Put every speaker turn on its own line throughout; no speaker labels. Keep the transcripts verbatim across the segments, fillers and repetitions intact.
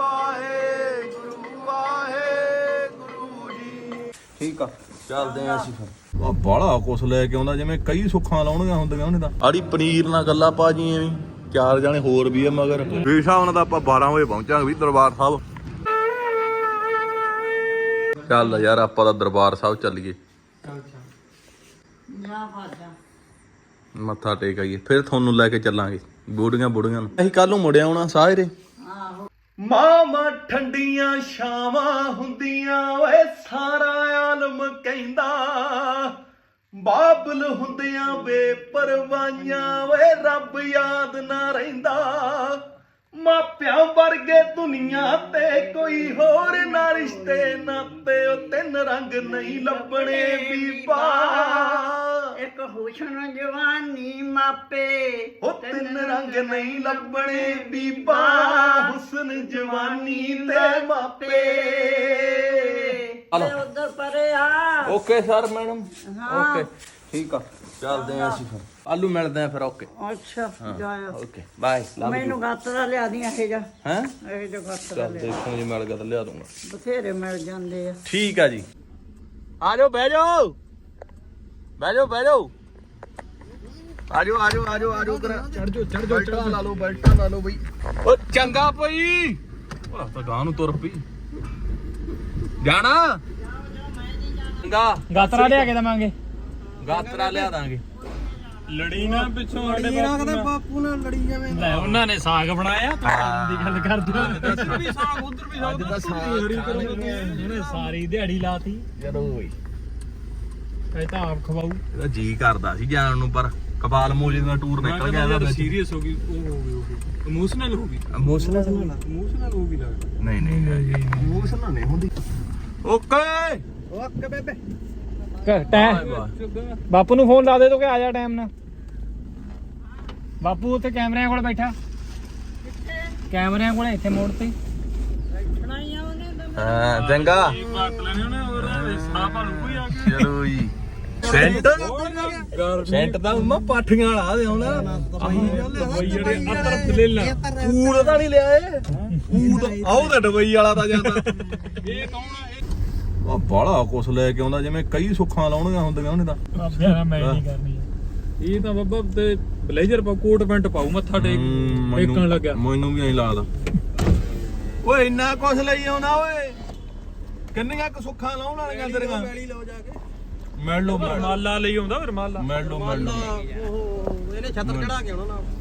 ਵਾਹਿਗੁਰੂ ਵਾਹਿਗੁਰੂ ਜੀ। ਠੀਕ ਆ ਚੱਲਦੇ ਆ ਅਸੀਂ ਫਿਰ। ਉਹ ਬਾਲਾ ਕੁਛ ਲੈ ਕੇ ਆਉਂਦਾ ਜਿਵੇਂ ਕਈ ਸੁੱਖਾਂ ਲਾਉਣੀਆਂ ਹੁੰਦੀਆਂ ਉਹਨੇ ਤਾਂ। ਆੜੀ ਪਨੀਰ ਨਾਲ ਗੱਲਾਂ ਪਾ ਜੀ ਐਵੇਂ ਚਾਰ ਜਾਣੇ ਹੋਰ ਵੀ ਆ ਮਗਰ। ਬੇਸ਼ਾ ਉਹਨਾਂ ਦਾ ਆਪਾਂ ਬਾਰਾਂ ਵਜੇ ਪਹੁੰਚਾਂਗੇ ਵੀ ਦਰਬਾਰ ਸਾਹਿਬ। ਚੱਲ ਯਾਰ ਆਪਾਂ ਤਾਂ ਦਰਬਾਰ ਸਾਹਿਬ ਚੱਲੀਏ, ਮੱਥਾ ਟੇਕ ਆਈਏ, ਫਿਰ ਤੁਹਾਨੂੰ ਲੈ ਕੇ ਚੱਲਾਂਗੇ ਬੁੜੀਆਂ ਬੁੜੀਆਂ ਨੂੰ। ਅਸੀਂ ਕੱਲ ਨੂੰ ਮੁੜਿਆ ਆਉਣਾ ਸਾਰੇ। ਮਾਮਾ ਠੰਡੀਆਂ ਛਾਵਾਂ ਹੁੰਦੀਆਂ ਓਏ ਸਾਰਾ ਆਲਮ ਕਹਿੰਦਾ, ਬਾਬਲ ਹੁੰਦਿਆਂ ਬੇਪਰਵਾਹੀਆਂ ਓਏ ਰੱਬ ਯਾਦ ਨਾ ਰਹਿੰਦਾ। ਮਾਪਿਆਂ ਵਰਗੇ ਦੁਨੀਆ ਤੇ ਕੋਈ ਹੋਰ ਨਾ ਰਿਸ਼ਤੇ ਨਾਤੇ, ਉਹ ਤਿੰਨ ਰੰਗ ਨਹੀਂ ਲੱਭਣੇ ਬੀਬਾ।
ਇੱਕ ਹੁਸਨ ਜਵਾਨੀ ਮਾਪੇ,
ਉਹ ਤਿੰਨ ਰੰਗ ਨਹੀਂ ਲੱਭਣੇ ਬੀਬਾ। ਹੁਸਨ ਜਵਾਨੀ ਤੇ ਮਾਪੇ।
ਉਧਰ ਪਰੇ ਆ।
ਓਕੇ ਸਰ ਮੈਡਮ, ਓਕੇ ਠੀਕ ਆ ਚੱਲਦੇ ਆ ਅਸੀਂ ਫਿਰ। ਆਲੂ ਮਿਲਦੇ ਆ ਫਿਰ। ਓਕੇ
ਅੱਛਾ ਜਾਇਆ।
Okay bye.
ਮੈਨੂੰ ਗਾਤਰਾ ਲਿਆ ਦੀ ਇਹ ਜਾ
ਹੈ
ਇਹ ਜੋ ਗਾਤਰਾ
ਚੱਲ ਦੇਖੋ ਜੀ ਮਿਲ ਗਿਆ ਤਾਂ ਲਿਆ ਦੂੰਗਾ।
ਬਥੇਰੇ ਮਿਲ ਜਾਂਦੇ ਆ।
ਠੀਕ ਆ ਜੀ। ਆ ਜਾਓ ਬਹਿ ਜਾਓ ਬਹਿ ਜਾਓ ਬਹਿ ਜਾਓ ਆ ਜਾਓ ਆ ਜਾਓ ਆ ਜਾਓ ਆ ਜਾਓ ਕਰਾ ਚੜ ਜਾਓ ਚੜ ਜਾਓ ਚੜਾ ਲਾ ਲਓ ਬੈਲਟਾਂ ਲਾ ਲਓ ਬਈ। ਓ ਚੰਗਾ ਪਈ ਉਹ ਤਾਂ ਗਾਂ ਨੂੰ ਤੁਰ ਪਈ ਜਾਣਾ। ਚੰਗਾ
ਗਾਤਰਾ ਲਿਆ ਕੇ ਦਵਾਂਗੇ।
ਗਾਤਰਾ ਲਿਆ ਦਾਂਗੇ।
ਲੜੀ ਨਾ ਪਿੱਛੋਂ ਸਾਡੇ ਬਾਪੂ ਨਾਲ।
ਬਾਪੂ ਨਾਲ ਲੜੀ ਜਾਵੇਂ।
ਲੈ ਉਹਨਾਂ ਨੇ ਸਾਗ ਬਣਾਇਆ ਤੂੰ ਖਾਣ ਦੀ ਗੱਲ ਕਰਦਾ। ਇੱਧਰ ਵੀ ਸਾਗ ਉੱਧਰ ਵੀ ਸਾਗ।
ਅੱਜ ਤਾਂ ਸਾਗ
ਇਹਨੇ ਸਾਰੀ ਦਿਹਾੜੀ ਲਾਤੀ।
ਚਲੋ ਬਈ
ਇਹ ਤਾਂ ਆਪ ਖਵਾਉ।
ਇਹਦਾ ਜੀ ਕਰਦਾ ਸੀ ਜਾਣ ਨੂੰ ਪਰ ਕਬਾਲ ਮੋਜੇ ਦਾ ਟੂਰ ਨਿਕਲ ਗਿਆ ਇਹਦਾ।
ਸੀਰੀਅਸ ਹੋ ਗਈ ਉਹ ਹੋ ਗਈ ਉਹ ਇਮੋਸ਼ਨਲ ਹੋ ਗਈ।
ਇਮੋਸ਼ਨਲ
ਇਮੋਸ਼ਨਲ ਹੋ ਗਈ ਲੱਗਦਾ।
ਨਹੀਂ ਨਹੀਂ ਇਮੋਸ਼ਨਲ ਨਹੀਂ ਹੁੰਦੀ। ਓਕੇ
ਓਕੇ ਬੇਬੇ।
ਬਾਪੂ ਨੂੰ ਫੋਨ ਲਾ ਦੇ ਤੋ ਕਿ ਆ ਜਾ ਟਾਈਮ ਨਾਲ। ਬਾਪੂ ਉੱਥੇ ਕੈਮਰਿਆਂ ਕੋਲ ਬੈਠਾ। ਕੈਮਰਿਆਂ ਕੋਲ ਇੱਥੇ ਮੋੜ ਤੇ।
ਹਾਂ ਚੰਗਾ ਚਲੋ ਜੀ। ਸੈਂਟ ਸੈਂਟ ਦਾ ਮੰਮਾ ਪਾਠੀਆਂ ਵਾਲਾ ਦੇ ਹੁਣ
ਬਈ ਜਿਹੜੇ ਅਤਰ ਲੈ ਲਾ
ਊੜ ਤਾਂ ਨਹੀਂ ਲਿਆ ਏ। ਊੜ ਆਉ ਤਾਂ ਦੁਬਈ ਵਾਲਾ ਤਾਂ ਜਾਂਦਾ।
ਇਹ ਕੌਣ ਆ?
ਉਹ ਬਾਲਾ ਕੁਛ ਲੈ ਕੇ ਆਉਂਦਾ ਜਿਵੇਂ ਕਈ ਸੁੱਖਾਂ ਲਾਉਣੀਆਂ ਹੁੰਦੀਆਂ ਉਹਨੇ ਤਾਂ।
ਬਾਬਿਆਂ ਮੈਂ ਨਹੀਂ ਕਰਨੀ। ਇਹ ਤਾਂ ਬਾਬਾ ਤੇ ਬਲੇਜ਼ਰ ਪਾ ਕੋਟ ਪੈਂਟ ਪਾਉ ਮੱਥਾ ਟੇਕ ਟੇਕਣ ਲੱਗਿਆ।
ਮੈਨੂੰ ਵੀ ਐਂ ਲੱਗਦਾ। ਓਏ ਇੰਨਾ ਕੁਛ ਲਈ ਆਉਣਾ ਓਏ। ਕਿੰਨੀਆਂ ਕੁ ਸੁੱਖਾਂ ਲਾਉਣ ਵਾਲੀਆਂ ਤੇਰੀਆਂ। ਮਿਲ ਲਓ
ਰਮਾਲਾ ਲਈ ਆਉਂਦਾ ਰਮਾਲਾ।
ਮਿਲ ਲਓ ਮਿਲ ਲਓ।
ਇਹਨੇ ਛਤਰ ਚੜਾ ਕੇ ਆਉਣਾ ਨਾਲ।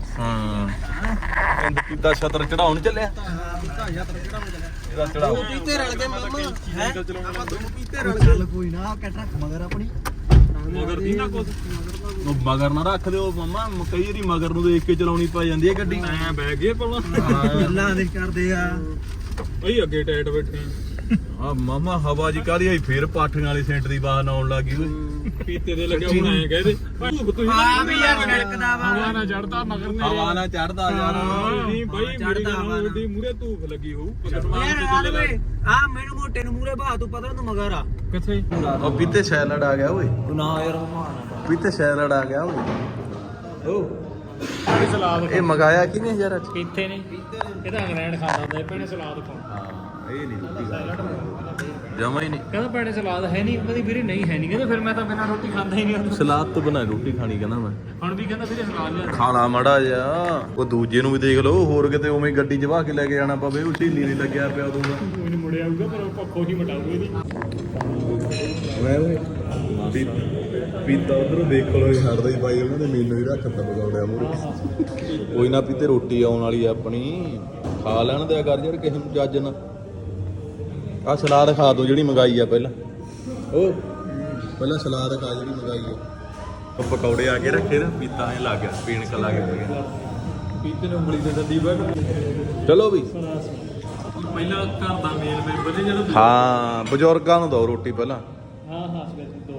ਹਾਂ ਇੰਦ ਕੀਤਾ ਛਤਰ ਚੜਾਉਣ ਚੱਲਿਆ।
ਛਤਰ ਚੜਾਉਣ ਚੱਲਿਆ।
ਇਹਦਾ ਚੜਾਓ
ਪੀਤੇ ਰਲ ਕੇ ਮਾਮਾ ਹੈ ਆਪਾਂ ਦੋ ਪੀਤੇ ਰਲ ਕੇ। ਕੋਈ ਨਾ ਕੱਟ ਰੱਖ ਮਗਰ ਆਪਣੀ
ਮਗਰ ਦੀ ਨਾ ਕੁਛ।
ਉਹ ਮਗਰ ਨਾ ਰੱਖ ਦਿਓ ਮਮਾ। ਕਈ ਵਾਰੀ ਮਗਰ ਨੂੰ ਦੇਖ ਕੇ ਚਲਾਉਣੀ ਪੈ ਜਾਂਦੀ ਹੈ ਗੱਡੀ।
ਐ ਬਹਿ ਗਏ ਪਾਉਣਾ।
ਗੱਲਾਂ ਦੇ ਕਰਦੇ ਆ
ਬਈ ਅੱਗੇ ਟਾਈਟ ਬੈਠੇ
ਆ ਮਾਮਾ ਹਵਾ ਜੀ ਕਾਹਦੀ ਆਈ ਫੇਰ ਪਾਠੀਆਂ ਵਾਲੀ ਸੈਂਟ ਦੀ ਬਾਹਰ ਆਉਣ ਲੱਗੀ ਓਏ।
ਪੀਤੇ ਦੇ ਲੱਗੇ ਹੁਣ ਐ ਕਹਦੇ ਤੁਸੀਂ
ਆ ਵੀ ਯਾਰ ਛੜਕਦਾ ਵਾ।
ਹਵਾ ਨਾ ਚੜਦਾ ਮਗਰ ਨੇ
ਹਵਾ ਨਾ ਚੜਦਾ ਯਾਰ।
ਨਹੀਂ ਬਈ ਮੇਰੀ ਗੱਲ ਵੱਡੀ ਮੂਰੇ ਧੂਫ ਲੱਗੀ ਹੋਊ।
ਯਾਰ ਹਾਲ ਵੇ ਆ ਮੈਨੂੰ ਮੋਟੇ ਨੂੰ ਮੂਰੇ ਬਾਹ ਤੂੰ ਪਤਾ ਤੂੰ ਮਗਰ ਆ
ਕਿੱਥੇ?
ਉਹ ਪੀਤੇ ਸੈਲਡ ਆ ਗਿਆ ਓਏ।
ਤੂੰ ਨਾ ਯਾਰ ਮਾਨ
ਪੀਤੇ ਸੈਲਡ ਆ ਗਿਆ ਓਏ। ਓ
ਇਹ ਸਲਾਦ
ਇਹ ਮਗਾਇਆ ਕਿਨੇ ਯਾਰ ਅੱਜ?
ਕਿੱਥੇ ਨੇ ਇਹਦਾ ਇੰਗਲੈਂਡ ਖਾਂਦਾ ਹੁੰਦਾ ਭੈਣੇ ਸਲਾਦ ਖਾਂਦਾ।
ਹਾਂ ਇਹ ਨਹੀਂ ਜਮਾ ਹੀ ਨਹੀਂ।
ਕਹਿੰਦਾ ਭੈਣੇ ਸਲਾਦ ਹੈ ਨਹੀਂ। ਕਹਿੰਦੀ ਵੀਰੇ ਨਹੀਂ ਹੈ ਨਹੀਂ। ਕਹਿੰਦਾ ਫਿਰ ਮੈਂ ਤਾਂ ਬਿਨਾਂ ਰੋਟੀ ਖਾਂਦਾ ਹੀ ਨਹੀਂ।
ਸਲਾਦ ਤੋਂ ਬਿਨਾਂ ਰੋਟੀ ਖਾਣੀ ਕਹਿੰਦਾ ਮੈਂ।
ਹੁਣ ਵੀ ਕਹਿੰਦਾ ਵੀਰੇ ਸਲਾਦ ਲਿਆ।
ਖਾਣਾ ਮਾੜਾ ਜਿਹਾ। ਉਹ ਦੂਜੇ ਨੂੰ ਵੀ ਦੇਖ ਲਓ ਹੋਰ ਕਿਤੇ ਉਵੇਂ ਗੱਡੀ 'ਚ ਵਾਹ ਕੇ ਲੈ ਕੇ ਜਾਣਾ ਪਵੇ। ਉਹ ਢੀਲੀ ਨਹੀਂ ਲੱਗਿਆ ਪਿਆ ਦੂਗਾ।
ਕੋਈ ਨਹੀਂ ਮੁੜਿਆ ਆਊਗਾ ਪਰ ਉਹ ਪੱਖੋਂ ਹੀ ਮਟਾਊਗਾ ਇਹਦੀ।
ਮੈਂ ਓਏ ਪੀਤਾ ਉਧਰੋਂ ਦੇਖ ਲੋ ਛੱਡਦਾ ਹੀ ਬਾਈ ਉਹਨਾਂ ਨੇ ਮੈਨੂੰ ਹੀ ਰੱਖਤਾ ਬਗਾਉੜਿਆ ਮੂਰੇ। ਕੋਈ ਨਾ ਪੀਤੇ ਰੋਟੀ ਆਉਣ ਵਾਲੀ ਆ ਆਪਣੀ। ਖਾ ਲੈਣ ਦਿਆ ਕਰ ਯਾਰ ਕਿਸੇ ਨੂੰ ਜੱਜ ਨਾ। ਆ ਸਲਾਦ ਖਾ ਦੋ ਜਿਹੜੀ ਮੰਗਾਈ ਆ ਪਹਿਲਾਂ। ਉਹ ਪਹਿਲਾਂ ਸਲਾਦ ਖਾ ਜਿਹੜੀ ਮੰਗਾਈ ਆ। ਉਹ ਪਕੌੜੇ ਆ ਕੇ ਰੱਖੇ ਨਾ ਪੀਤਾ ਐ ਲੱਗ ਗਿਆ ਪੀਣ ਕ ਲੱਗ ਗਿਆ।
ਪੀਤੇ ਨੂੰ ਉਂਗਲੀ ਤੇ ਡੱਡੀ ਬੈਠ।
ਚਲੋ ਵੀ
ਪਹਿਲਾਂ ਘਰ ਦਾ ਮੇਲ ਮੈਂਬਰ ਨੇ ਜਿਹੜਾ।
ਹਾਂ ਬਜ਼ੁਰਗਾਂ ਨੂੰ ਦੋ ਰੋਟੀ ਪਹਿਲਾਂ।
ਹਾਂ ਹਾਂ ਸਪੈਸ਼ਲ ਦੋ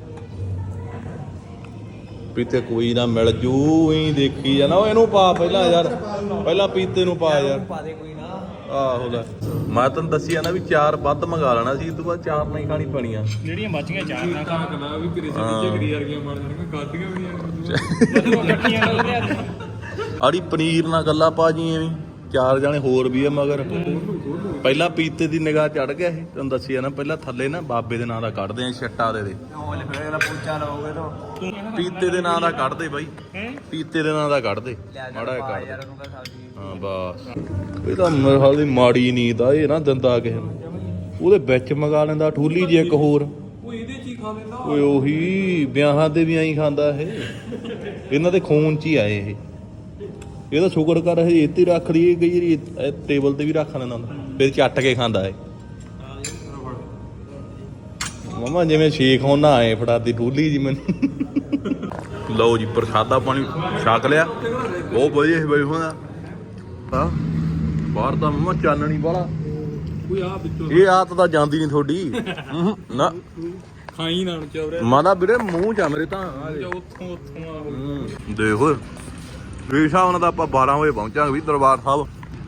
ਪੀਤੇ ਕੋਈ ਨਾ ਮਿਲ ਜੂ ਹੀ ਦੇਖੀ ਜਾਣਾ। ਉਹ ਇਹਨੂੰ ਪਾ ਪਹਿਲਾਂ ਯਾਰ ਪਹਿਲਾਂ ਪੀਤੇ ਨੂੰ ਪਾ ਯਾਰ।
ਪਾ ਦੇ ਕੋਈ ਨਾ।
ਆਹੋ ਲੈ ਮੈਂ ਤੈਨੂੰ ਦੱਸਿਆ ਨਾ ਵੀ ਚਾਰ ਵੱਧ ਮੰਗਾ ਲੈਣਾ ਸੀ। ਇਸ ਤੋਂ ਬਾਅਦ ਚਾਰ ਨਹੀਂ ਖਾਣੀ ਪੈਣੀਆਂ
ਜਿਹੜੀਆਂ ਬਚੀਆਂ ਚਾਰ ਨਾ ਕੰਮ ਕਰਨਾ ਵੀ ਕਰੇ ਸੀ ਝਗੜੀ ਵਰਗੀਆਂ ਬਣ ਜਾਣਗੀਆਂ। ਕਾਦੀਆਂ ਵੀ ਨਹੀਂ ਇਕੱਠੀਆਂ ਨਾਲ ਲਿਆ।
ਆੜੀ ਪਨੀਰ ਨਾਲ ਗੱਲਾਂ ਪਾ ਜੀ ਐਵੇਂ ਚਾਰ ਜਣੇ ਹੋਰ ਵੀ ਆ ਮਗਰ। ਪਹਿਲਾਂ ਪੀਤੇ ਦੀ ਨਿਗਾਹ ਚੜ ਗਿਆ ਇਹ, ਤੁਹਾਨੂੰ ਦੱਸਿਆ ਨਾ ਪਹਿਲਾਂ ਥੱਲੇ ਨਾ ਬਾਬੇ ਦੇ ਨਾਂ ਦਾ ਕੱਢਦੇ ਆ ਛੱਟਾ ਦੇ ਦੇ
ਪੂਚਾ ਲਾਓਗੇ ਤਾਂ
ਪੀਤੇ ਦੇ ਨਾਂ ਦਾ ਕੱਢਦੇ ਬਾਈ, ਪੀਤੇ ਦੇ ਨਾਂ ਦਾ ਕੱਢਦੇ ਮਾੜਾ ਜਿਹਾ ਕੱਢ
ਯਾਰ ਉਹਨੂੰ ਕਹ ਸਬਜ਼ੀ
ਹਾਂ ਬਸ। ਇਹ ਤਾਂ ਮੇਰੇ ਹਾਲ ਦੀ ਮਾੜੀ ਨੀਂਦ ਆ, ਇਹ ਨਾ ਦਿੰਦਾ ਕਿਸੇ ਨੂੰ, ਉਹਦੇ ਵਿੱਚ ਮੰਗਾ ਲੈਂਦਾ ਠੂਲੀ ਜੀ ਇੱਕ ਹੋਰ।
ਉਹ ਇਹਦੇ ਚ ਹੀ ਖਾ ਲੈਂਦਾ
ਓਏ ਉਹੀ ਵਿਆਹਾਂ ਤੇ ਵੀ ਐਂ ਖਾਂਦਾ ਇਹ, ਇਹਨਾਂ ਦੇ ਖੂਨ ਚ ਹੀ ਆਏ ਇਹ। ਇਹ ਤਾਂ ਸ਼ੁਕਰ ਕਰ ਇਹ ਇੱਥੇ ਰੱਖ ਲਈ, ਕਈ ਵਾਰੀ ਟੇਬਲ ਤੇ ਵੀ ਰੱਖ ਲੈਂਦਾ ਹੁੰਦਾ, ਫਿਰ ਚੱਟ ਕੇ ਖਾਂਦਾ ਇਹ। ਮਮਾ ਜਿਵੇਂ ਸ਼ੇਖ ਹੋਣਾ ਆਏ ਫੜਾਤੀ ਠੂਲੀ ਜੀ ਮੈਨੂੰ। ਲਓ ਜੀ ਪ੍ਰਸ਼ਾਦਾ ਪਾਣੀ ਛਕ ਲਿਆ, ਬਹੁਤ ਵਧੀਆ ਬਈ ਹੋਣਾ ਹਾਂ। ਬਾਹਰ ਦਾ ਮਮਾ ਚਾਨਣੀ ਵਾਲਾ,
ਕੋਈ ਆ ਵਿੱਚੋਂ
ਇਹ ਆਤ ਤਾਂ ਜਾਂਦੀ ਨਹੀਂ ਤੁਹਾਡੀ ਨਾ,
ਖਾਈ ਨਾ ਚੌਰੇ
ਮਾਦਾ ਵੀਰੇ ਮੂੰਹ ਚ ਆ ਮੇਰੇ ਤਾਂ।
ਉੱਥੋਂ ਉੱਥੋਂ ਆ
ਹੂੰ, ਦੇਖੋ ਇਹ ਹਿਸਾਬ ਨਾਲ ਤਾਂ ਆਪਾਂ ਬਾਰਾਂ ਵਜੇ ਪਹੁੰਚਾਂਗੇ ਵੀ ਦਰਬਾਰ ਸਾਹਿਬ।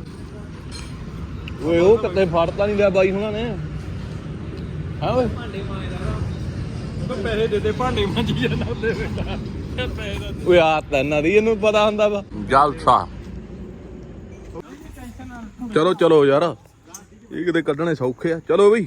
ਓਏ ਉਹ ਕਿਤੇ ਫੜਤਾ ਨਹੀਂ ਲਿਆ ਬਾਈ ਹੁਣਾਂ ਨੇ, ਹਾਂ ਓਏ
ਉਹ ਪੈਸੇ ਦੇ ਦੇ ਭਾਂਡੇ ਮਾਂਜੀ ਜਾਂਦਾ ਉਹਦੇ ਬੇਟਾ ਪੈਸੇ ਦਾ
ਓਏ ਆਤ ਇਹਨਾਂ ਦੀ, ਇਹਨੂੰ ਪਤਾ ਹੁੰਦਾ ਵਾ ਜਲਸਾ। ਚਲੋ ਚਲੋ ਯਾਰ, ਇਹ ਕਿਤੇ ਕੱਢਣੇ ਸੌਖੇ ਆ, ਚਲੋ ਬਈ।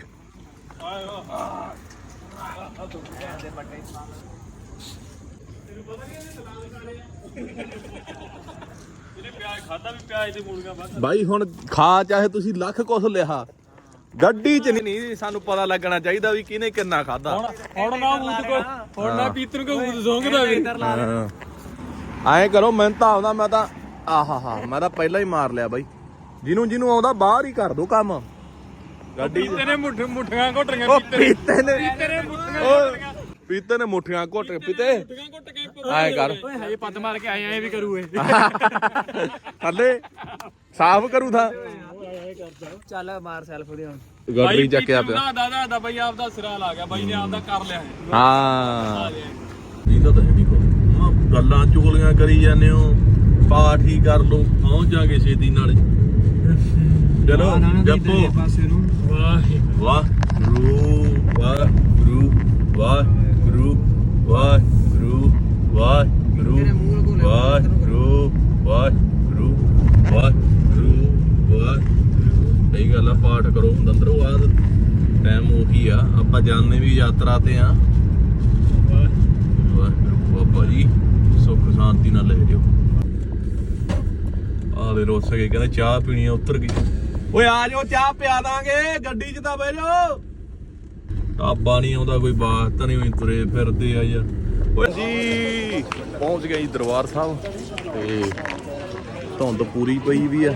ਖਾਦਾ ਵੀ ਪਿਆਜ ਤੇ ਮੂਲੀਆਂ ਵੱਧ।
ਬਾਈ ਹੁਣ ਖਾ ਚਾਹੇ ਤੁਸੀਂ ਲੱਖ ਕੁਛ ਲਿਆ, ਗੱਡੀ ਚ ਨਹੀਂ ਸਾਨੂੰ ਪਤਾ ਲੱਗਣਾ ਚਾਹੀਦਾ ਵੀ ਕਿਹਨੇ ਕਿੰਨਾ ਖਾਦਾ।
ਹੁਣ ਹੁਣ ਨਾ ਮੂੰਹ ਕੋ ਹੁਣ ਨਾ ਪੀਤਰ ਕੋ ਮੂੰਹ ਜ਼ੋਂਗਦਾ ਵੀ
ਐਂ ਕਰੋ, ਮੈਨੂੰ ਤਾਂ ਆਉਂਦਾ, ਮੈਂ ਤਾਂ ਆਹਾ ਹਾ ਮੈਂ ਤਾਂ ਪਹਿਲਾਂ ਹੀ ਮਾਰ ਲਿਆ ਬਾਈ। ਜਿਹਨੂੰ ਜਿਹਨੂੰ ਆਉਂਦਾ ਬਾਹਰ ਹੀ ਕਰ ਦੋ ਕੰਮ। ਗੱਡੀ
ਪੀਤੇ ਨੇ ਮੁੱਠ ਮੁੱਠੀਆਂ ਘੋਟੀਆਂ
ਉਹ ਪੀਤੇ ਨੇ
ਪੀਤੇ ਨੇ ਮੁੱਠੀਆਂ
ਓ ਪੀਤੇ ਨੇ ਮੁੱਠੀਆਂ ਘੁੱਟ ਪੀਤੇ
ਮੁੱਠੀਆਂ ਘੁੱਟ ਕੇ
ਐਂ ਕਰ
ਓਏ ਹਜੇ ਪੱਦ ਮਾਰ ਕੇ ਆਏ ਐ ਵੀ ਕਰੂ ਇਹ
ਥੱਲੇ ਸਾਫ਼ ਕਰੂ ਥਾ।
ਚੱਲ ਮਾਰ ਸੈਲਫ ਦੇ ਹੁਣ।
ਗੱਡੀ ਚੱਕਿਆ ਪਿਆ
ਨਾ ਦਾਦਾ ਦਾ ਬਾਈ ਆਪਦਾ ਸਿਰਾ ਲਾ ਗਿਆ, ਬਾਈ ਨੇ ਆਪਦਾ ਕਰ ਲਿਆ ਹੈ।
ਹਾਂ ਇਹ ਤਾਂ ਨਹੀਂ ਕੋ ਗੱਲਾਂ ਚੁਗਲੀਆਂ ਕਰੀ ਜਾਂਦੇ ਹੋ, ਪਾਠ ਹੀ ਕਰ ਲੋ, ਪਹੁੰਚ ਜਾਗੇ ਛੇਤੀ ਨਾਲੇ। ਚਲੋ ਜਪੋ
ਵਾਹਿਗੁਰੂ
ਵਾਹਿਗੁਰੂ ਵਾਹਿਗੁਰੂ ਵਾਹਿਗੁਰੂ ਵਾਹਿਗੁਰੂ ਵਾਹਿਗੁਰੂ ਵਾਹਿਗੁਰੂ ਵਾਹਿਗੁਰੂ ਵਾਹਿਗੁਰੂ ਵਾਹਿਗੁਰੂ। ਸਹੀ ਗੱਲ ਆ, ਪਾਠ ਕਰੋ ਅੰਦਰੋਂ ਬਾਅਦ, ਟਾਈਮ ਉਹੀ ਆ। ਆਪਾਂ ਜਾਂਦੇ ਵੀ ਯਾਤਰਾ ਤੇ ਆ। ਵਾਹਿਗੁਰੂ ਬਾਬਾ ਜੀ ਸੁੱਖ ਸ਼ਾਂਤੀ ਨਾਲ ਲੈ ਜਿਓ। ਆਹ ਦੇ ਰੋਸ ਕੇ ਕਹਿੰਦੇ ਚਾਹ ਪੀਣੀ ਆ, ਉੱਤਰ ਗਈ। ਓਏ ਆ ਜਾਓ ਚਾਹ ਪਿਆ ਦਾਂਗੇ, ਗੱਡੀ 'ਚ ਤਾਂ ਬਹਿ ਜਾਓ। ਢਾਬਾ ਨਹੀਂ ਆਉਂਦਾ, ਕੋਈ ਬਾਤ ਤਾਂ ਨਹੀਂ ਹੋਈ, ਤੁਰੇ ਫਿਰਦੇ ਆ ਯਾਰ। ਓਏ ਜੀ ਪਹੁੰਚ ਗਏ ਜੀ ਦਰਬਾਰ ਸਾਹਿਬ, ਤੇ ਧੁੰਦ ਪੂਰੀ ਪਈ ਵੀ ਆ,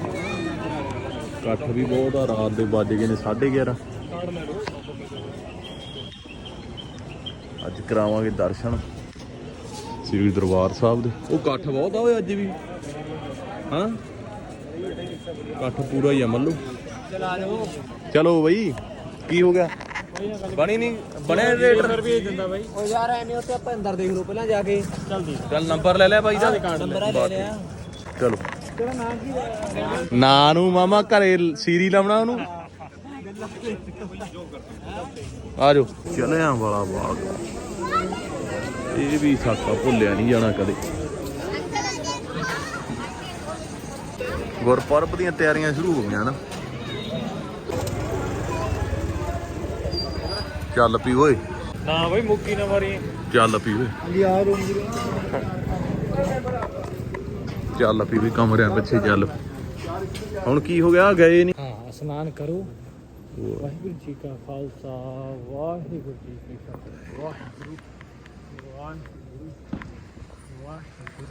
ਇਕੱਠ ਵੀ ਬਹੁਤ ਆ। ਰਾਤ ਦੇ ਵੱਜ ਗਏ ਨੇ ਸਾਢੇ ਗਿਆਰਾਂ। ਅੱਜ ਕਰਾਵਾਂਗੇ ਦਰਸ਼ਨ ਸ੍ਰੀ ਦਰਬਾਰ ਸਾਹਿਬ ਦੇ। ਉਹ ਇਕੱਠ ਬਹੁਤ ਆ ਓਏ ਅੱਜ ਵੀ, ਹਾਂ ਇਕੱਠ ਪੂਰਾ ਹੀ ਆ ਮੱਲੂ।
ਚਲਾ ਜਾਓ।
ਚਲੋ ਬਈ, ਕੀ ਹੋ ਗਿਆ? ਬਣੀ ਨਹੀਂ ਬਣਿਆ ਰੇਟ
ਭੇਜ ਦਿੰਦਾ ਬਾਈ।
ਓ ਯਾਰ ਐਵੇਂ ਉੱਥੇ ਆਪਾਂ ਅੰਦਰ ਦੇਖ ਲਓ ਪਹਿਲਾਂ ਜਾ ਕੇ।
ਚੱਲਦੀ
ਚੱਲ ਨੰਬਰ ਲੈ ਲਿਆ ਬਾਈ ਦਾ,
ਨੰਬਰ ਲੈ ਲਿਆ।
ਚਲੋ
ਤੇਰਾ ਨਾਮ ਕੀ ਹੈ?
ਨਾਂ ਨੂੰ ਮਾਮਾ ਘਰੇ ਸੀਰੀ ਲਾਉਣਾ ਉਹਨੂੰ। ਆ ਜਾਓ ਚਲਿਆਂ ਵਾਲਾ ਬਾਗ, ਇਹ ਵੀ ਸਾਕਾ ਭੁੱਲਿਆ ਨਹੀਂ ਜਾਣਾ ਕਦੇ। ਗੁਰਪੁਰਬ ਦੀਆਂ ਤਿਆਰੀਆਂ ਸ਼ੁਰੂ ਹੋ ਗਈਆਂ ਨਾ। ਚੱਲ ਪੀ ਓਏ,
ਨਾ ਬਾਈ ਮੁੱਕੀ ਨਾ ਮਾਰੀ।
ਚੱਲ ਪੀ ਓਏ,
ਯਾਰ
ਚੱਲ ਪੀ ਵੀ ਕਮਰਿਆਂ ਪਿੱਛੇ ਚੱਲ। ਹੁਣ ਕੀ ਹੋ ਗਿਆ, ਗਏ ਨਹੀਂ?
ਹਾਂ ਇਸ਼ਨਾਨ ਕਰੋ। ਵਾਹਿਗੁਰੂ ਜੀ ਕਾ ਖਾਲਸਾ ਵਾਹਿਗੁਰੂ ਜੀ ਕੀ ਫਤਿਹ। ਵਾਹਿਗੁਰੂ ਵਾਹਿਗੁਰੂ ਵਾਹਿਗੁਰੂ।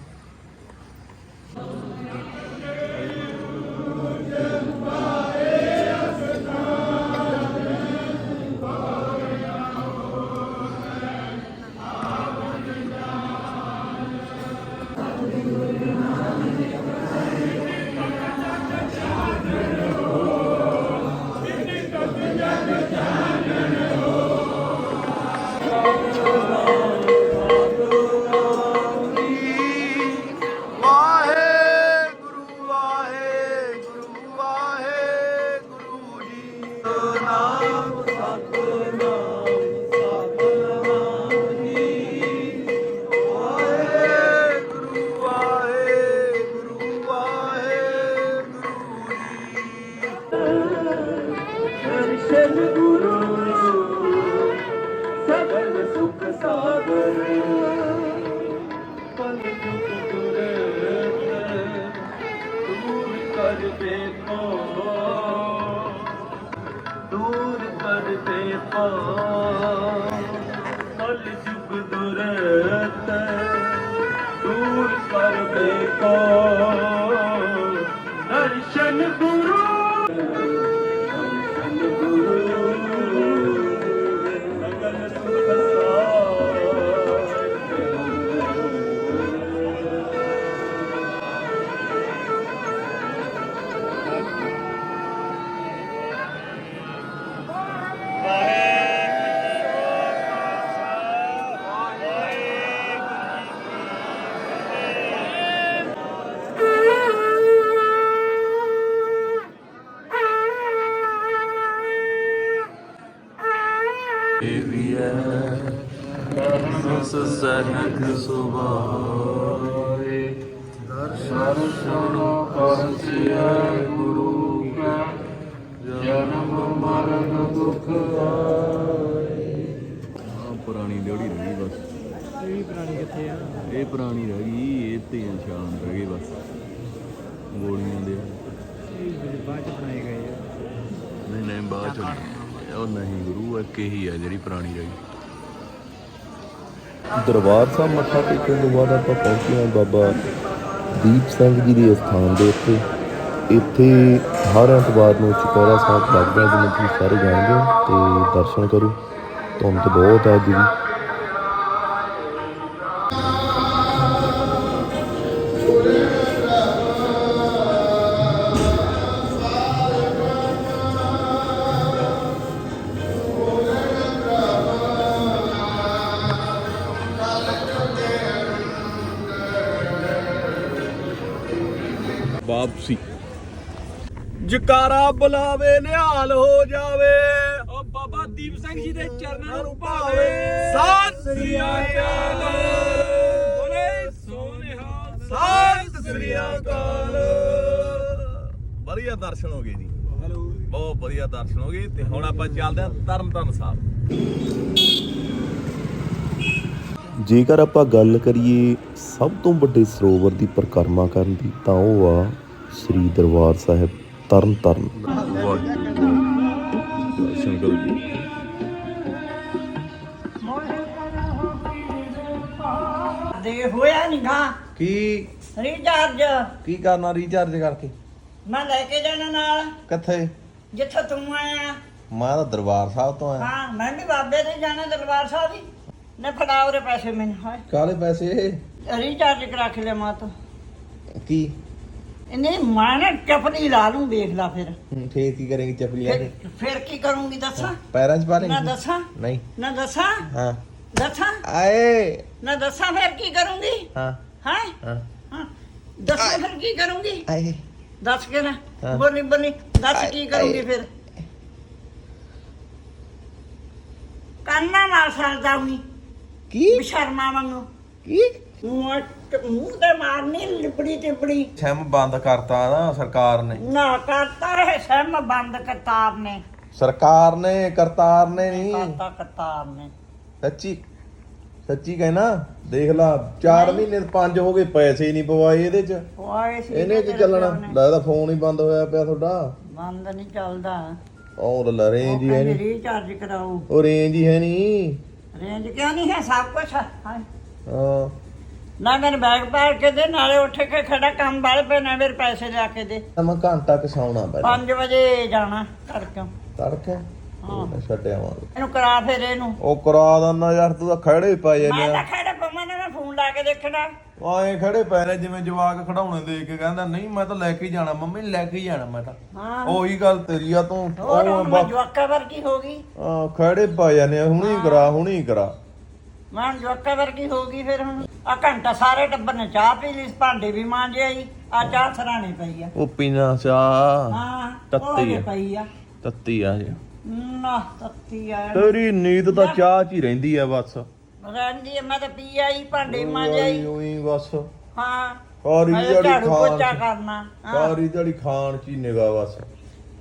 ਦਰਸ਼ਨ ਗੁਰੂ ਸਗਲ ਸੁਖ ਸਾਗਰ ਪਲ ਜੁਗ ਦੁਰਤ ਦੂਰ ਕਰ ਦੇਖੋ ਦੂਰ ਕਰ ਦੇਖੋ ਪਲ ਜੁਗ ਦੁਰਤ ਦੂਰ ਕਰ ਦੇਖੋ ਦਰਸ਼ਨ ਗੁਰੂ ਦਰਸ਼ਨ ਗੁਰੂ ਸਗਲ ਸੁਖ
ਸਹਿਜ ਸੁਭਾਏ ਦਰਸ਼ਨ ਪਰਸਿਆ ਗੁਰੂ ਕਾ ਜਨਮ ਮਰਨ ਦੁਖ ਆਏ। ਆ ਪੁਰਾਣੀ ਲੋੜੀ ਰਹੀ ਬਸ,
ਇਹ ਪੁਰਾਣੀ ਕਿੱਥੇ ਆ
ਇਹ ਪੁਰਾਣੀ ਰਹਿ ਗਈ, ਇਹ ਤੇ ਨਿਸ਼ਾਨ ਰਹਿ ਗਏ ਬਸ ਗੋਲੀਆਂ ਦੇ।
ਇਹ ਬਾਅਦ ਚ ਬਣਾਏ ਗਏ ਆ
ਨਹੀਂ ਨਹੀਂ ਬਾਅਦ ਚ ਨਹੀਂ। ਉਹ ਨਹੀਂ ਗੁਰੂ ਇੱਕ ਹੀ ਆ ਜਿਹੜੀ ਪੁਰਾਣੀ ਰਹੀ।
ਦਰਬਾਰ ਸਾਹਿਬ ਮੱਥਾ ਟੇਕਣ ਤੋਂ ਬਾਅਦ ਆਪਾਂ ਪਹੁੰਚੇ ਹਾਂ ਬਾਬਾ ਦੀਪ ਸਿੰਘ ਜੀ ਦੇ ਸਥਾਨ ਦੇ ਉੱਤੇ। ਇੱਥੇ ਹਰ ਐਤਵਾਰ ਨੂੰ ਚੁਪਹਿਰਾ ਸਾਹਿਬ ਲੱਗਦਾ, ਜਿਵੇਂ ਤੁਸੀਂ ਸਾਰੇ ਜਾਣਦੇ ਹੋ, ਤੇ ਦਰਸ਼ਨ ਕਰੋ। ਧੁੰਦ ਬਹੁਤ ਹੈ ਅੱਜ ਵੀ।
ਵਾਪਸੀ ਜਕਾਰਾ ਬੁਲਾਵੇ ਨਿਹਾਲ ਹੋ ਜਾਵੇ,
ਓ ਬਾਬਾ ਦੀਪ ਸਿੰਘ ਜੀ ਦੇ ਚਰਨਾਂ ਨੂੰ
ਭਾਵੇ ਸਤਿ ਸ੍ਰੀ ਅਕਾਲ,
ਬੋਲੇ ਸੋਨਿਹਾਲ,
ਸਤਿ ਸ੍ਰੀ ਅਕਾਲ। ਵਧੀਆ ਦਰਸ਼ਨ ਹੋ ਗਏ ਜੀ, ਬਹੁਤ ਵਧੀਆ ਦਰਸ਼ਨ ਹੋ ਗਏ। ਤੇ ਹੁਣ ਆਪਾਂ ਚੱਲਦੇ ਹਾਂ ਤਰਨਤਾਰਨ ਸਾਹਿਬ।
ਜੇਕਰ ਆਪਾਂ ਗੱਲ ਕਰੀਏ ਸਭ ਤੋਂ ਵੱਡੇ ਸਰੋਵਰ ਦੀ ਪਰਿਕਰਮਾ ਕਰਨ ਦੀ, ਤਾਂ ਉਹ ਆ ਸ੍ਰੀ ਦਰਬਾਰ ਸਾਹਿਬ ਤਰਨਤਾਰਨ।
ਦਰਸ਼ਨ ਕਰੋ ਜੀ।
ਦੇ ਹੋਇਆ ਨੀ ਗਾ
ਕੀ
ਰੀਚਾਰਜ
ਕੀ ਕਰਨਾ ਰੀਚਾਰਜ ਕਰਕੇ?
ਮੈਂ ਲੈ ਕੇ ਜਾਣਾ ਨਾਲ
ਕਿੱਥੇ?
ਜਿੱਥੇ ਤੂੰ ਆਇਆ।
ਮੈਂ ਤਾਂ ਦਰਬਾਰ ਸਾਹਿਬ ਤੋਂ ਆਇਆ।
ਹਾਂ ਮੈਂ ਵੀ ਬਾਬੇ ਦੇ ਜਾਣਾ ਦਰਬਾਰ ਸਾਹਿਬ ਹੀ। ਨੇ ਫੜਾ ਉਹਦੇ ਪੈਸੇ ਮੈਨੂੰ। ਹਾਏ
ਕਾਲੇ ਪੈਸੇ?
ਰੀਚਾਰਜ ਕਰਾ ਕੇ ਲਿਆ ਮਾਂ ਤੋਂ।
ਕੀ
ਇਹਨੇ ਮੈਂ ਨਾ ਚਪਲੀ ਲਾ ਲੂੰ, ਵੇਖ ਲਾ ਫਿਰ।
ਹੂੰ, ਫੇਰ ਕੀ ਕਰੇਂਗੀ ਚਪਲੀ ਲੈ ਕੇ?
ਫਿਰ- ਫਿਰ ਕੀ ਕਰੂੰਗੀ ਦੱਸਾਂ?
ਪੈਰਾਂ 'ਚ ਪਾ
ਨਾ
ਲੇਂਗੀ?
ਦੱਸਾਂ
ਨਹੀਂ।
ਨਾ ਦੱਸਾਂ
ਹਾਂ।
ਦੱਸਾਂ
ਆਏ।
ਨਾ ਦੱਸਾਂ ਫਿਰ ਕੀ ਕਰੂੰਗੀ?
ਹਾਂ
ਹਾਂ
ਹਾਂ
ਹਾਂ ਦੱਸਾਂ ਫਿਰ ਕੀ ਕਰੂੰਗੀ?
ਆਏ।
ਦੱਸ ਕੇ ਨਾ
ਹਾਂ।
ਬੋਲੀ ਬੋਲੀ ਦੱਸ
ਆਏ,
ਕੀ ਕਰੂੰਗੀ
ਆਏ।
ਫਿਰ? ਕੰਨਾ ਮਾਰ ਸਕਦਾ ਹੁਣੀ
ਕੀ
ਸ਼ਰਮਾ ਵਾਂਗੂ
ਕੀ?
ਮੂੰਹ ਮੂੰਹ ਤੇ ਮਾਰਨੀ ਲਿਪੜੀ ਟਿਪੜੀ।
ਸਿਮ ਬੰਦ ਕਰਤਾ ਨਾ ਸਰਕਾਰ ਨੇ।
ਨਾ ਕਰਤਾ ਹੈ ਸਮ ਬੰਦ ਕਰਤਾਰ ਨੇ।
ਸਰਕਾਰ ਨੇ, ਕਰਤਾਰ ਨੇ ਨਹੀਂ।
ਕਰਤਾ ਕਰਤਾਰ ਨੇ।
ਸੱਚੀ ਸੱਚੀ ਕਹਿਣਾ, ਦੇਖ ਲਾ ਚਾਰ
ਨਹੀਂ।
ਮਹੀਨੇ ਪੰਜ ਹੋ ਗਏ, ਪੈਸੇ ਹੀ ਨਹੀਂ ਪਵਾਏ ਇਹਦੇ 'ਚ।
ਓਏ ਸੀ
ਇਹਨੇ ਕੀ ਚੱਲਣਾ? ਲੱਗਦਾ ਫੋਨ ਹੀ ਬੰਦ ਹੋਇਆ ਪਿਆ ਤੁਹਾਡਾ।
ਬੰਦ ਨਹੀਂ ਚੱਲਦਾ।
ਉਹ ਲੈ ਰੇਂਜ ਹੀ ਹੈ ਨਹੀਂ।
ਰੀਚਾਰਜ ਕਰਾਓ।
ਉਹ ਰੇਂਜ ਹੀ ਹੈ ਨਹੀਂ।
ਰੇਂਜ ਕਿਉਂ ਨਹੀਂ ਹੈ? ਸਭ ਕੁਝ ਹੈ।
ਹਾਂ
ਨਾ ਮੈਨੂੰ ਬੈਗ ਪਾੜ ਕੇ ਦੇ, ਨਾਲੇ ਉੱਠ ਕੇ ਖੜਾ ਕੰਮ ਵਾਲੇ ਪਏ ਨੇ, ਮੇਰੇ ਪੈਸੇ ਲਿਆ ਕੇ ਦੇ।
ਮੈਂ ਘੰਟਾ ਕੁ ਸੌਣਾ ਪਹਿਲਾਂ।
ਪੰਜ ਵਜੇ ਜਾਣਾ ਤੜਕੇ।
ਤੜਕੇ
ਹਾਂ।
ਛੱਡਿਆ ਆਵਾਂਗੇ।
ਇਹਨੂੰ ਕਰਾ ਫਿਰ ਇਹਨੂੰ।
ਉਹ ਕਰਾ ਦਿੰਦਾ ਯਾਰ, ਤੂੰ ਤਾਂ ਖੜੇ ਪਏ
ਮੈਂ
ਜਾਂਦੇ
ਤਾਂ
ਆ।
ਖੜਾ ਪਵਾਂ ਨਾ, ਮੈਂ ਫੋਨ ਲਾ ਕੇ ਦੇਖਣਾ।
ਆਏ ਖੜੇ ਪਏ ਨੇ ਜਿਵੇਂ ਜਵਾਕ ਖੜਾਉਣੇ ਦੇ ਕੇ ਕਹਿੰਦਾ ਨਹੀਂ ਮੈਂ ਤਾਂ ਲੈ ਕੇ ਹੀ ਜਾਣਾ, ਮੰਮੀ ਲੈ ਕੇ ਹੀ ਜਾਣਾ ਮੈਂ ਤਾਂ।
ਹਾਂ
ਉਹੀ ਗੱਲ ਤੇਰੀ ਆ ਤੂੰ।
ਹੋਰ
ਉਹ
ਹੁਣ ਮੈਂ
ਬਾ-
ਜਵਾਕਾ ਵਰਗੀ ਹੋ ਗਈ।
ਹਾਂ, ਖੜੇ ਪਏ ਜਾਂਦੇ ਆ, ਹੁਣੀ ਕਰਾ ਹੁਣੀ ਕਰਾ।
ਮੈਂ ਹੁਣ ਜਵਾਕਾ ਵਰਗੀ ਹੋ ਗਈ ਫਿਰ। ਹੁਣ ਆ ਘੰਟਾ ਸਾਰੇ ਟੱਬਰ ਨੇ ਚਾਹ ਪੀ ਲਈ, ਭਾਂਡੇ ਵੀ ਮਾਂਜੇ ਆਈ। ਆ ਚਾਹ ਸਰਾਣੇ ਪਈ ਆ।
ਉਹ ਪੀਣਾ ਚਾਹ
ਹਾਂ
ਤੱਤੀ
ਉਹ ਹਜੇ
ਆ।
ਪਈ ਆ।
ਤੱਤੀ ਆ ਜੀ।
ਨਾ ਤੱਤੀ ਆ
ਤੇਰੀ ਨੀਂਦ ਤਾਂ ਚਾਹ 'ਚ ਹੀ ਰਹਿੰਦੀ ਆ ਬਸ।
ਰਹਿੰਦੀ ਆ। ਮੈਂ ਤਾਂ ਪੀ ਆਈ, ਭਾਂਡੇ ਵੀ ਮਾਂਜੇ ਆਈ।
ਉਹੀ ਬਸ
ਹਾਂ
ਸਾਰੀ
ਹਜੇ
ਦਿਹਾੜੀ
ਝਾੜੂ
ਖਾਣ
ਪੋਚਾ
ਚ-
ਕਰਨਾ। ਹਾਂ।
ਸਾਰੀ ਦਿਹਾੜੀ ਖਾਣ 'ਚ ਹੀ ਨਿਗਾ ਬਸ।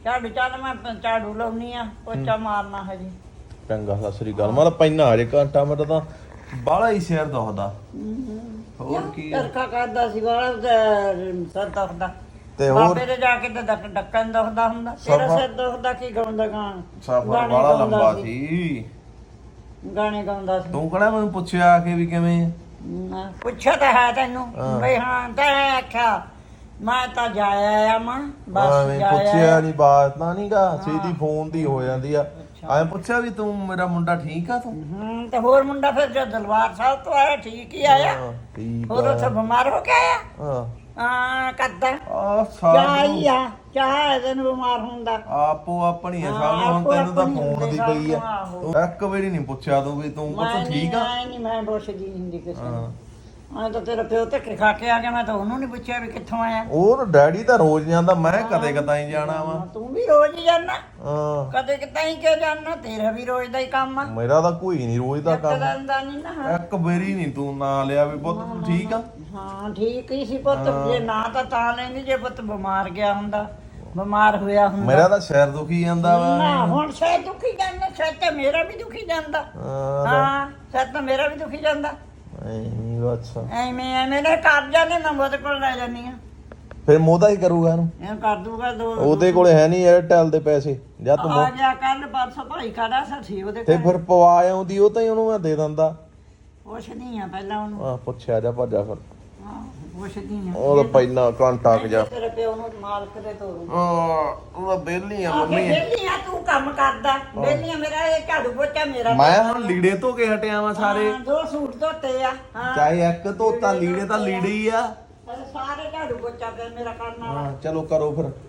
ਝਾੜੂ ਚੱਲ ਮੈਂ ਝਾੜੂ ਲਾਉਣੀ ਆ ਪੋਚਾ ਮਾਰਨਾ ਹਜੇ।
ਚੰਗਾ ਸਤਿ ਸ੍ਰੀ ਅਕਾਲ। ਮੈਂ ਤਾਂ ਪੈਣਾ ਹਜੇ ਘੰਟਾ ਮੇਰਾ ਤਾਂ ਬਾਹਲਾ ਹੀ ਸਿਰ ਦੁਖਦਾ। ਹੋਰ ਕੀ ਆ?
ਚਰਖਾ ਕਰਦਾ ਸੀ ਵਾਲਾ ਸਰ ਦੁਖਦਾ
ਤੇ ਹੋਰ
ਬਾਬੇ ਦੇ ਜਾ ਕੇ ਤੇ ਡੱਕ- ਡੱਕਣ ਦੁਖਦਾ ਹੁੰਦਾ। ਤੇਰਾ
ਸਫ਼ਰ-
ਸਿਰ ਦੁਖਦਾ ਕੀ ਗਾਉਂਦਾ ਗਾਣ
ਸਫ਼ਰ
ਗਾਣੇ
ਬਾਹਲਾ
ਗਾਉਂਦਾ
ਲੰਬਾ
ਸੀ।
ਸੀ।
ਗਾਣੇ ਗਾਉਂਦਾ ਸੀ।
ਤੂੰ ਕਿਹੜਾ ਮੈਨੂੰ ਪੁੱਛਿਆ ਆ ਕੇ ਵੀ ਕਿਵੇਂ ਆ?
ਨਾ, ਪੁੱਛਿਆ ਤਾਂ ਹੈ ਤੈਨੂੰ
ਹਾਂ।
ਬਈ ਹਾਂ ਤੈਂ ਆਖਿਆ ਮੈਂ ਤਾਂ ਜਾਇਆ ਆ ਮਾਂ ਬਸ
ਐਵੇਂ
ਜਾਇਆ
ਪੁੱਛਿਆ
ਆ।
ਨਹੀਂ, ਬਾਤ ਤਾਂ ਨਹੀਂਗਾ ਸਿੱਧੀ ਫੋਨ ਦੀ ਹੋ ਜਾਂਦੀ ਆ। ਐਂ ਪੁੱਛਿਆ ਵੀ ਤੂੰ ਮੇਰਾ ਮੁੰਡਾ ਠੀਕ ਆ ਤੂੰ?
ਹੂੰ ਤੇ ਹੋਰ ਮੁੰਡਾ ਫਿਰ ਜਦ ਦਲਵਾਰ ਸਾਹਿਬ ਤੋਂ ਆਇਆ ਠੀਕ ਹੀ ਆਇਆ।
ਹਾਂ, ਠੀਕ
ਹੋਰ ਉੱਥੇ
ਆ।
ਬਿਮਾਰ ਹੋ ਕੇ ਆਇਆ
ਹਾਂ
ਹਾਂ ਕਰਦਾ
ਆ
ਚਾਹ ਹੀ
ਸਾਰਾ
ਆ ਚਾਹ ਇਹਦੇ ਨੂੰ ਬਿਮਾਰ ਹੁੰਦਾ।
ਆਪੋ ਆਪਣੀ ਆ
ਹਾਂ,
ਸਭ ਨੂੰ। ਹੁਣ
ਆਪੋ
ਤੈਨੂੰ ਤਾਂ
ਆਪਣੀ
ਫੋਨ
ਹੁੰਦੀ
ਦੀ
ਸਭ
ਪਈ ਆ।
ਨੂੰ, ਆਹੋ।
ਤੂੰ ਇੱਕ ਵਾਰੀ ਨਹੀਂ ਪੁੱਛਿਆ ਤੂੰ ਵੀ ਤੂੰ
ਮੈਂ
ਪੁੱਤ ਠੀਕ ਆ?
ਨਹੀਂ ਨਹੀਂ ਮੈਂ ਪੁੱਛਦੀ ਨਹੀਂ ਹੁੰਦੀ ਕਿਸੇ
ਹਾਂ।
ਨੂੰ। ਮੈਂ ਤਾਂ ਤੇਰਾ ਪਿਓ ਧੱਕੇ ਖਾ ਕੇ ਆ ਗਿਆ ਮੈਂ ਤਾਂ ਉਹਨੂੰ ਨਹੀਂ ਪੁੱਛਿਆ ਵੀ ਕਿੱਥੋਂ ਆਇਆ।
ਉਹ ਤਾਂ ਡੈਡੀ ਤਾਂ ਰੋਜ਼ ਜਾਂਦਾ, ਮੈਂ ਕਦੇ ਕਦਾਈ ਜਾਣਾ ਵਾ।
ਤੂੰ ਵੀ ਰੋਜ਼ ਹੀ ਜਾਣਾ
ਹਾਂ
ਕਦੇ ਕਿਤੇ ਹੀ ਕਿ ਜਾਣਾ ਤੇਰਾ ਵੀ ਰੋਜ਼ ਦਾ ਹੀ ਕੰਮ ਆ।
ਮੇਰਾ ਤਾਂ ਕੋਈ ਨਹੀਂ ਰੋਜ਼ ਦਾ ਕੰਮ।
ਦਾ ਨਹੀਂ ਨਾ
ਇੱਕ ਵਾਰੀ ਨਹੀਂ ਤੂੰ ਨਾਂ ਲਿਆ ਵੀ ਪੁੱਤ ਤੂੰ ਠੀਕ ਆ?
ਹਾਂ ਠੀਕ ਹੀ ਸੀ ਪੁੱਤ ਜੇ ਨਾ ਤਾਂ ਤਾਂ ਲੈਂਦੀ ਜੇ ਪੁੱਤ ਬਿਮਾਰ ਗਿਆ ਹੁੰਦਾ ਬਿਮਾਰ ਹੋਇਆ ਹੁੰਦਾ।
ਮੇਰਾ ਤਾਂ ਸਿਰ ਦੁਖੀ ਜਾਂਦਾ ਵਾ।
ਨਾ ਹੁਣ ਸ਼ਾਇਦ ਦੁਖੀ ਜਾਂਦਾ ਸ਼ਾਇਦ ਤੇ ਮੇਰਾ ਵੀ ਦੁਖੀ ਜਾਂਦਾ।
ਹਾਂ
ਹਾਂ ਸ਼ਾਇਦ ਤਾਂ ਮੇਰਾ ਵੀ ਦੁਖੀ ਜਾਂਦਾ।
ਐਵੇਂ ਅੱਛਾ।
ਐਵੇਂ ਐਵੇਂ ਨੇ ਕਰ ਜਾਂਦੇ ਮੈਂ ਉਹਦੇ ਕੋਲ ਲੈ ਜਾਂਦੀ ਆ
ਫਿਰ ਮੋਦਾ ਹੀ ਕਰੂਗਾ ਇਹਨੂੰ।
ਇਹ ਕਰ ਦੂਗਾ ਦੋ
ਉਹਦੇ ਕੋਲੇ ਹੈ ਨਹੀਂ 에ਅਰਟੈਲ ਦੇ ਪੈਸੇ ਜਾਂ ਤੂੰ
ਆ
ਮੋ-
ਗਿਆ ਕੱਲ ਪਰਸੋਂ ਭਾਈ ਖੜਾ ਸੀ ਉਹਦੇ
ਤੇ
ਕੋਲ
ਫਿਰ ਪਵਾ ਆਉਂਦੀ ਉਹ ਤਾਂ ਹੀ ਉਹਨੂੰ ਮੈਂ ਦੇ ਦਿੰਦਾ।
ਪੁੱਛਦੀ ਆ ਪਹਿਲਾਂ ਉਹਨੂੰ
ਆ ਪੁੱਛਿਆ ਜਾ ਭੱਜਾ ਫਿਰ।
ਹਾਂ ਪੁੱਛਦੀ ਆ
ਉਹ ਤਾਂ ਪਹਿਲਾਂ ਘੰਟਾ ਕ ਜਾ।
ਤੇਰੇ ਪਿਓ ਨੂੰ ਮਾਲਕ ਦੇ ਤੋਰੂ
ਆ ਉਹ ਤਾਂ ਬੇਲੀ ਆ
ਆ
ਮੰਮੀ।
ਬੇਲੀ ਆ ਤੂੰ ਕੰਮ ਕਰਦਾ ਬੇਲੀ ਆ ਮੇਰਾ ਇਹ ਝਾੜੂ ਪੋਚਾ ਮੇਰਾ
ਮੈਂ ਹੁਣ ਲੀੜੇ ਧੋ ਕੇ ਹਟਿਆ ਵਾਂ ਸਾਰੇ।
ਹਾਂ, ਦੋ ਸੂਟ ਧੋਤੇ ਆ ਹਾਂ
ਚਾਹੇ ਇੱਕ ਧੋਤਾ ਲੀੜੇ ਤਾਂ ਲੀੜੇ ਹੀ ਆ।
ਸਾਰੇ ਝਾੜੂ ਪੋਚਾ ਤੇ ਮੇਰਾ ਕਰਨਾ ਵਾ।
ਹਾਂ ਚਲੋ ਕਰੋ ਫਿਰ।